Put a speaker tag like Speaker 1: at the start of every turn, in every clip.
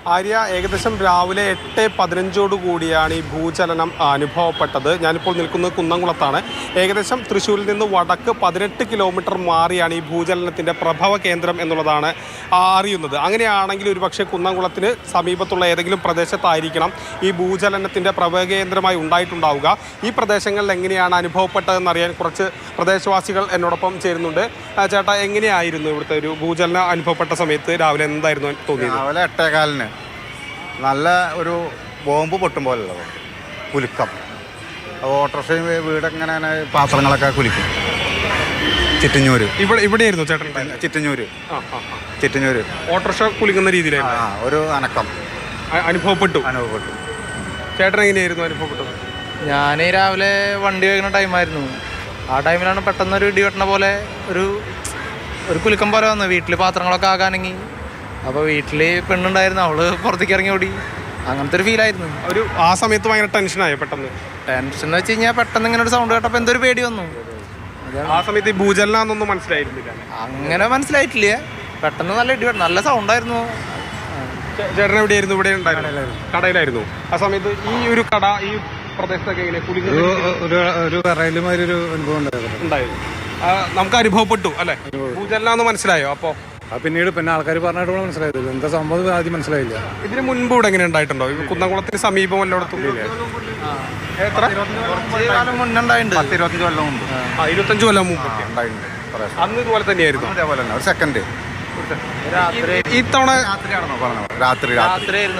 Speaker 1: ആര്യ, ഏകദേശം രാവിലെ 8:15 കൂടിയാണ് ഈ ഭൂചലനം അനുഭവപ്പെട്ടത്. ഞാനിപ്പോൾ നിൽക്കുന്നത് കുന്നംകുളത്താണ്. ഏകദേശം തൃശ്ശൂരിൽ നിന്ന് വടക്ക് 18 കിലോമീറ്റർ മാറിയാണ് ഈ ഭൂചലനത്തിൻ്റെ പ്രഭവ കേന്ദ്രം എന്നുള്ളതാണ് അറിയുന്നത്. അങ്ങനെയാണെങ്കിൽ ഒരുപക്ഷെ കുന്നംകുളത്തിന് സമീപത്തുള്ള ഏതെങ്കിലും പ്രദേശത്തായിരിക്കണം ഈ ഭൂചലനത്തിൻ്റെ പ്രഭവ കേന്ദ്രമായി ഉണ്ടായിട്ടുണ്ടാവുക. ഈ പ്രദേശങ്ങളിൽ എങ്ങനെയാണ് അനുഭവപ്പെട്ടതെന്നറിയാൻ കുറച്ച് പ്രദേശവാസികൾ എന്നോടൊപ്പം ചേരുന്നുണ്ട്. ചേട്ടാ, എങ്ങനെയായിരുന്നു ഇവിടുത്തെ ഒരു ഭൂചലനം അനുഭവപ്പെട്ട സമയത്ത് രാവിലെ എന്തായിരുന്നു തോന്നിയത്?
Speaker 2: രാവിലെ 8:15 നല്ല ഒരു ബോംബ് പൊട്ടും പോലുള്ളത് കുലുക്കം. ഓട്ടോറിക്ഷയും വീടങ്ങനെ പാത്രങ്ങളൊക്കെ കുലിക്കും. ചിറ്റഞ്ഞൂര്
Speaker 1: ഇവിടെയായിരുന്നു ചേട്ടൻ?
Speaker 2: ചിറ്റഞ്ഞൂര്
Speaker 1: ഓട്ടോറിക്ഷ കുലിക്കുന്ന രീതിയിലായിരുന്നു
Speaker 2: ഒരു അനക്കം
Speaker 1: അനുഭവപ്പെട്ടു. ചേട്ടൻ എങ്ങനെയായിരുന്നു അനുഭവപ്പെട്ടത്?
Speaker 3: ഞാൻ രാവിലെ വണ്ടി കഴിക്കുന്ന ടൈമായിരുന്നു. ആ ടൈമിലാണ് പെട്ടെന്നൊരു ഇടി വെട്ടണ പോലെ ഒരു കുലുക്കം പോലെ വന്നു. വീട്ടിൽ പാത്രങ്ങളൊക്കെ ആകാനെങ്കിൽ അപ്പോൾ വീട്ടിൽ പെണ്ണുണ്ടായിരുന്നു, അവള് പുറത്തേക്ക് ഇറങ്ങി ഓടി. അങ്ങനത്തെ ഒരു ഫീലായിരുന്നു.
Speaker 1: ആ സമയത്ത് ഭയങ്കര ടെൻഷനായോ?
Speaker 3: ടെൻഷൻ എന്ന് വെച്ച് കഴിഞ്ഞാൽ പെട്ടെന്ന് ഇങ്ങനെ ഒരു സൗണ്ട് കേട്ടപ്പോൾ എന്തൊരു പേടി വന്നു.
Speaker 1: ആ സമയത്ത് ഈ ഭൂചലനമൊന്നും മനസ്സിലായിരുന്നില്ല?
Speaker 3: അങ്ങനെ മനസ്സിലായിട്ടില്ല. പെട്ടെന്ന് നല്ല ഇടി വെട്ടം, നല്ല സൗണ്ടായിരുന്നു.
Speaker 1: ചേട്ടൻ എവിടെയായിരുന്നു? ഇവിടെ ഉണ്ടായിരുന്നു, കടയിലായിരുന്നു ആ സമയത്ത്. ഈ ഒരു കട ഈ പ്രദേശത്തൊക്കെ എങ്ങനെ
Speaker 2: ഒരു കറയിലുമാതിരി ഒരു അനുഭവം
Speaker 1: ഉണ്ടായിരുന്നു? നമുക്ക് അനുഭവപ്പെട്ടു അല്ലെ? ഭൂചലനം മനസ്സിലായോ? അപ്പോ
Speaker 2: പിന്നീട് ആൾക്കാർ പറഞ്ഞിട്ട് മനസ്സിലായത് എന്താ സംഭവം ആദ്യം മനസ്സിലായില്ല.
Speaker 1: ഇതിന് മുൻപ് ഇവിടെ എങ്ങനെ ഉണ്ടായിട്ടുണ്ടോ? കുന്നംകുളത്തിന് സമീപം എല്ലായിടത്തും? 25 കൊല്ലം മുമ്പ് അന്ന് ഇതുപോലെ തന്നെയായിരുന്നു.
Speaker 2: അതേപോലെ തന്നെ ഒരു സെക്കൻഡ്.
Speaker 1: ഇത്തവണ
Speaker 3: രാത്രിയായിരുന്നു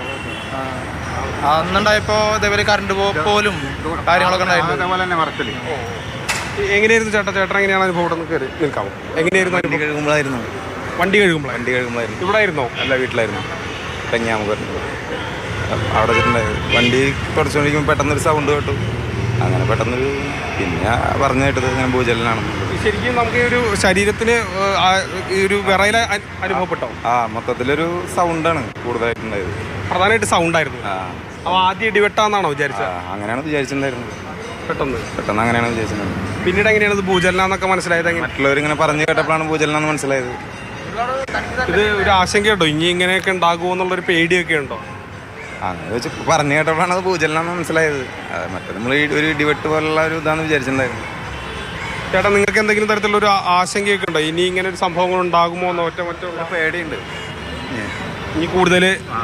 Speaker 3: അന്നുണ്ടായപ്പോ ഇതേപോലെ കറണ്ട് പോലും കാര്യങ്ങളൊക്കെ ഉണ്ടായിരുന്നു.
Speaker 1: എങ്ങനെയായിരുന്നു ചേട്ടാ? ചേട്ടൻ എങ്ങനെയാണ് അനുഭവം? കയറി നിൽക്കാമോ? എങ്ങനെയായിരുന്നു? വണ്ടി കഴുകുമ്പോഴായിരുന്നു. ഇവിടെ ആയിരുന്നോ?
Speaker 4: അല്ല, വീട്ടിലായിരുന്നു. കന്യാകുമാരി അവിടെ വെച്ചിട്ടുണ്ടായിരുന്നു. വണ്ടി തുടച്ചുകൊണ്ടിരിക്കുമ്പോൾ പെട്ടെന്നൊരു സൗണ്ട് കേട്ടു. അങ്ങനെ പെട്ടെന്നൊരു പിന്നെ പറഞ്ഞു കേട്ടത് ഇങ്ങനെ ഭൂചലനാണ്.
Speaker 1: ശരിക്കും നമുക്ക് ഈ ഒരു ശരീരത്തിന് ഒരു വിറയൽ അനുഭവപ്പെട്ടോ?
Speaker 4: മൊത്തത്തിലൊരു സൗണ്ടാണ് കൂടുതലായിട്ടുണ്ടായത്.
Speaker 1: പ്രധാനമായിട്ട് സൗണ്ടായിരുന്നു. അപ്പോൾ ആദ്യം ഇടിവെട്ടാന്നാണോ വിചാരിച്ചത്?
Speaker 4: അങ്ങനെയാണ് വിചാരിച്ചിട്ടുണ്ടായിരുന്നത്.
Speaker 1: പെട്ടെന്ന്
Speaker 4: അങ്ങനെയാണ് വിചാരിച്ചിട്ടുണ്ടായിരുന്നത്.
Speaker 1: പിന്നീട് എങ്ങനെയാണ് ഭൂചലനം എന്നൊക്കെ മനസ്സിലായത്?
Speaker 4: മറ്റുള്ളവരിങ്ങനെ പറഞ്ഞു കേട്ടപ്പോഴാണ് ഭൂചലനം എന്ന് മനസ്സിലായത്.
Speaker 1: ഇത് ഒരു ആശങ്കയുണ്ടോ? ഇനി ഇങ്ങനെയൊക്കെ ഉണ്ടാകുമോ എന്നുള്ളൊരു പേടിയൊക്കെ ഉണ്ടോ?
Speaker 4: അങ്ങനെ വെച്ച് പറഞ്ഞു കേട്ടപ്പോഴാണ് അത് ഭൂചലനം എന്ന് മനസ്സിലായത്. മറ്റേ നമ്മൾ ഒരു ഇടിവെട്ട് പോലുള്ള ഒരു ഇതാണെന്ന് വിചാരിച്ചിട്ടുണ്ടായിരുന്നു.
Speaker 1: ചേട്ടാ, നിങ്ങൾക്ക് എന്തെങ്കിലും തരത്തിലുള്ള ഒരു ആശങ്കയൊക്കെ ഉണ്ടോ? ഇനി ഇങ്ങനെ ഒരു സംഭവങ്ങൾ ഉണ്ടാകുമോ എന്നോ? മറ്റുള്ള
Speaker 4: പേടിയുണ്ട്.
Speaker 1: ഇനി കൂടുതൽ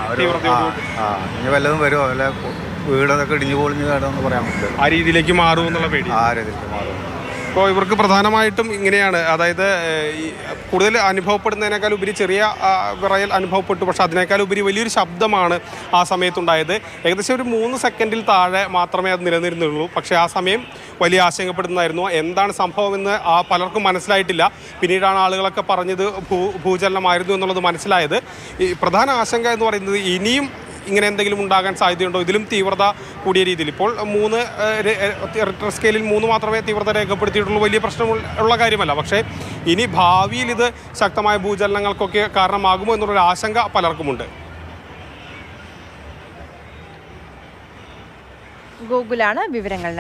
Speaker 2: ഇനി വല്ലതും വരുമോ? വല്ല വീടൊക്കെ ഇടിഞ്ഞു പൊളിഞ്ഞു കേടോന്ന് പറയാൻ പറ്റില്ല.
Speaker 1: ആ രീതിയിലേക്ക് മാറും എന്നുള്ള പേടി.
Speaker 2: ആ രീതിയിലേക്ക് മാറും.
Speaker 1: അപ്പോൾ ഇവർക്ക് പ്രധാനമായിട്ടും ഇങ്ങനെയാണ്. അതായത് കൂടുതൽ അനുഭവപ്പെടുന്നതിനേക്കാൾ ഉപരി ചെറിയ വിറയൽ അനുഭവപ്പെട്ടു. പക്ഷെ അതിനേക്കാൾ ഉപരി വലിയൊരു ശബ്ദമാണ് ആ സമയത്തുണ്ടായത്. ഏകദേശം ഒരു 3 സെക്കൻഡിൽ താഴെ മാത്രമേ അത് നിലനിരുന്നുള്ളൂ. പക്ഷേ ആ സമയം വലിയ ആശങ്കപ്പെടുന്നതായിരുന്നു. എന്താണ് സംഭവമെന്ന് പലർക്കും മനസ്സിലായിട്ടില്ല. പിന്നീടാണ് ആളുകളൊക്കെ പറഞ്ഞത് ഭൂചലനമായിരുന്നു എന്നുള്ളത് മനസ്സിലായത്. ഈ പ്രധാന ആശങ്ക എന്ന് പറയുന്നത് ഇനിയും ഇങ്ങനെ എന്തെങ്കിലും ഉണ്ടാകാൻ സാധ്യതയുണ്ടോ? ഇതിലും തീവ്രത കൂടിയ രീതിയിൽ ഇപ്പോൾ 3 റിക്ടർ സ്കെയിലിൽ 3 മാത്രമേ തീവ്രത രേഖപ്പെടുത്തിയിട്ടുള്ളൂ. വലിയ പ്രശ്നമുള്ള കാര്യമല്ല. പക്ഷേ ഇനി ഭാവിയിൽ ഇത് ശക്തമായ ഭൂചലനങ്ങൾക്കൊക്കെ കാരണമാകുമോ എന്നുള്ളൊരു ആശങ്ക പലർക്കുമുണ്ട്.
Speaker 5: ഗൂഗിളാണ് വിവരങ്ങൾ